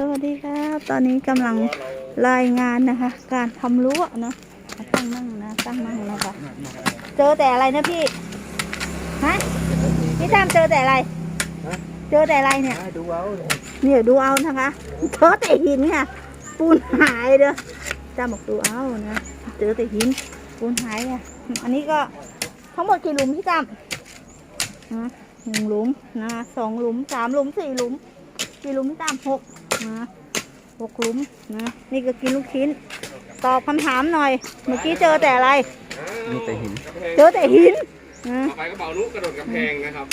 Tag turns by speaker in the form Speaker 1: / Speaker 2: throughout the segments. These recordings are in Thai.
Speaker 1: วัสดีครับตอนนี้กำลังรายงานนะคะการทำรั้วนะตั้งนั่งนะตั้งนั่งนะคะเจอแต่อะไรนะพี่ฮะพี่ตามเจอแต่อะไรเจอแต่อะไรเนี่ยดูเอาเนี่ยดูเอานะคะเจอแต่หินค่ะปูนหายเด้อจ้าบอกดูเอานะเจอแต่หินปูนหายอ่ะอันนี้ก็ทั้งหมดกี่หลุมพี่ตาม1 หลุมนะ2 หลุม3 หลุม4 หลุมกี่หลุมพี่ตาม6นะ6 หลุมนะนี่ก็กินลูกชิ้นตอบคำถามหน่อยเมื่อกี้เจอแต่อะไร
Speaker 2: มีแต่หิน
Speaker 1: เจอแต่หินนะ
Speaker 3: ต่อไปก็เบานุกระโดดกำแพงนะครับ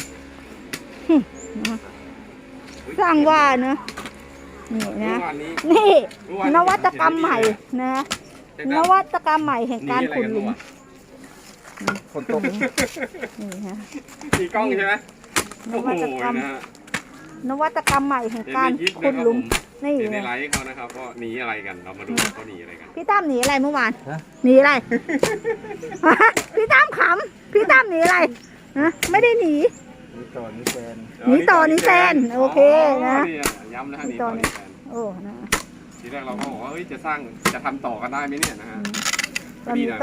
Speaker 1: สร้างว่านะนี่นะนี่นวัตกรรมใหม่นะนวัตกรรมใหม่แห่งการขุดหลุม
Speaker 2: คนตก
Speaker 1: นี่ฮะ
Speaker 3: มีกล้องใช่ไหม
Speaker 1: นวัตกรรมใหม่แห่งการขุดหลุมนี่
Speaker 3: ในไลฟ์เขานะครับก็หนีอะไรกันเรามาดูเขาหนีอะไรกัน
Speaker 1: พี่ตั้มหนีอะไรเมื่อวานหนีอะไรพี่ตั้มขำพี่ตั้มหนีอะไรนะไม่ได้หนี
Speaker 2: หนีต่อนี่แฟน
Speaker 1: โอเคนะ
Speaker 3: ย้ำนะฮะหนีต่อนี่แฟน
Speaker 1: โอ้นะ
Speaker 3: ทีแรกเราก็บอกว่าเฮ้ยจะทำต่อกันได้ไหมเนี่ยนะฮะ
Speaker 1: วันนี้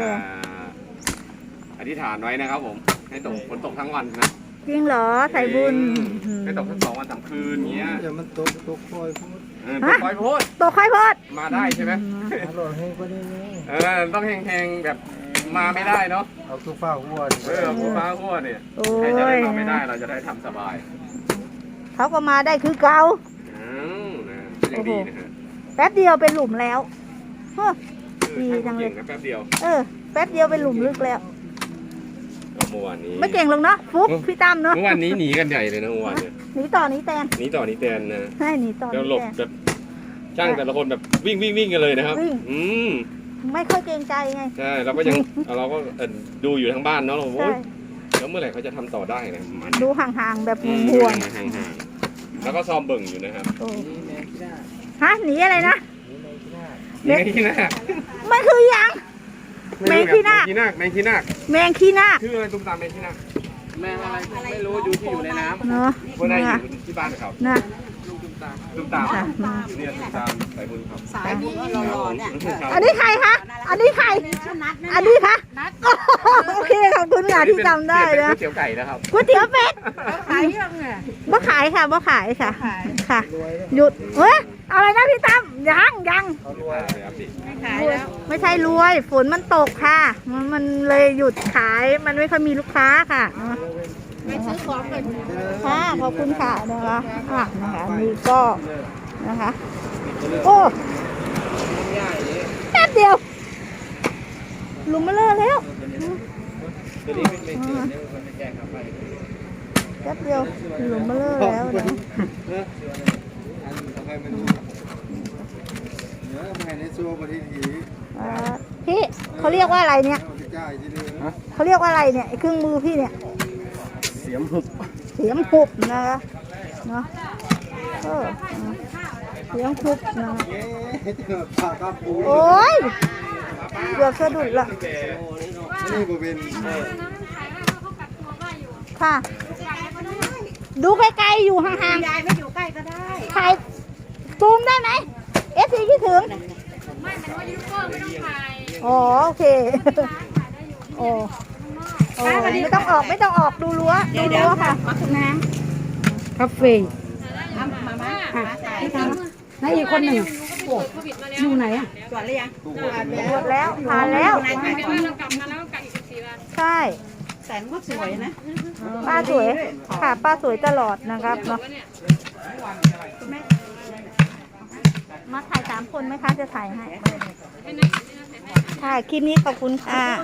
Speaker 3: อธิษฐานไว้นะครับผมให้ตกฝนตกทั้งวันนะ
Speaker 1: จริงเหรอใส่บุญ
Speaker 3: ให้ตกทั้ง2 วัน 3 คืนเงี้ย
Speaker 2: อย่ามันตกคอยพูด
Speaker 3: คอยพูดมาได้ใช่ไหมต้องแห้งๆแบบมาไม่ได้เนาะ
Speaker 2: เอาตู้ฟ้าหัว
Speaker 3: ตู้ฟ้าหัวเนี่ยใครจะได้มาไม่ได้เราจะได้ทำสบาย
Speaker 1: เขาก็มาได้คือเก่า
Speaker 3: ยังดีนะฮะ
Speaker 1: แป๊บเดียวเป็นหลุมแล้วดีจังเลย
Speaker 3: แป๊บเดียว
Speaker 1: แป๊บเดียวเป็นหลุมลึกแล้ว
Speaker 3: เมื่อวานนี้
Speaker 1: ไม่เก่งลงเนาะฟุ๊บพี่ตั้มเนาะ
Speaker 3: เมื่อวานนี้หนีกันใหญ่เลยนะเมื่อวานเนี่ย
Speaker 1: หนีต่อหนีแตน
Speaker 3: นะ
Speaker 1: ใช่หนีต่อ
Speaker 3: แล้วหลบแบบช่างแต่ละคนแบบวิ่งกันเลยนะครับ
Speaker 1: ไม่ค่อยเกรงใจไง
Speaker 3: ใช่เราก็ดูอยู่ทั้งบ้านเนาะเราโอ้ยแล้วเมื่อไหร่เขาจะทำต่อได้นะ
Speaker 1: ดูห่างๆแบบห่วง
Speaker 3: ๆแล้วก็ซ้อมเบิ่งอยู่นะครับ
Speaker 1: ฮะหนีอะไรนะ
Speaker 3: แมงขี้นาค
Speaker 1: มันคือยังแมงขี้นาค
Speaker 3: แมงขี้นาคชื่ออะไรตุ้มตามแมงขี้นาคแมงอะไรไม่รู้อยู่ในน้ำ
Speaker 1: เนาะ
Speaker 3: คนไหนอยู่ที่บ้านเขา
Speaker 1: นะ
Speaker 3: ตุ้มตามเนี่ยตุ้มตามใส่บุญครับ
Speaker 4: สายบุญหล่อเนี่ย
Speaker 1: อันนี้ใครคะอันนี้คะโอเคขอบคุณค่ะที่จำได้นะ
Speaker 3: ก๋วยเตี๋ยวไก่นะครับ
Speaker 1: ก๋วยเตี๋ยวเป็ด
Speaker 4: ขายยังไง
Speaker 1: บ่ขายค่ะค่ะหยุดอะไรนะพี่ตั้มยังไม่ใช่รวยฝนมันตกค่ะมันเลยหยุดขายมันไม่ค่อยมีลูกค้าค่ะ
Speaker 4: ไปซื้อของเลย
Speaker 1: ค่ะขอบคุณค่ะนะคะนะคะนี่ก็นะคะโอ้แป๊บเดียวลุมมาเลยแล้วแป๊บเดียวลุมมาเลยแล้วนะพี่เขาเรียกว่าอะไรเนี่ยเขาเรียกว่าอะไรเนี่ยเครื่องมือพี่เนี่ย
Speaker 2: เสียมหุ
Speaker 1: บนะคะเนาะเสียมหุบนะโอ้ยเกือบสะดุดละ
Speaker 2: นี่บเป็น
Speaker 1: ค่ะดูไกลๆอยู่ห่าง
Speaker 4: ๆยายไม่อยู่ใกล้ก็ได้
Speaker 1: ถ่ายซูมได้ไหมFC คิดถึง
Speaker 4: ไม่มันว่ายูทูบเบอร์ไม่ต้องถ่าย
Speaker 1: โอเคไม่ต้องออกดูรั้วค่ะ
Speaker 4: น้ำคาเฟ่มาอีกคนหนึ่งอยู่ไหนอ่ะตรวจหรือยัง
Speaker 1: ตรวจแล้วผ่านแล้วใช่
Speaker 4: แสนก็สวยนะ
Speaker 1: ป้าสวยค่ะป้าสวยตลอดนะครับเนาะมาถ่าย3 คนไหมคะจะถ่ายให้ค่ะคลิปนี้ขอบคุณค่ะ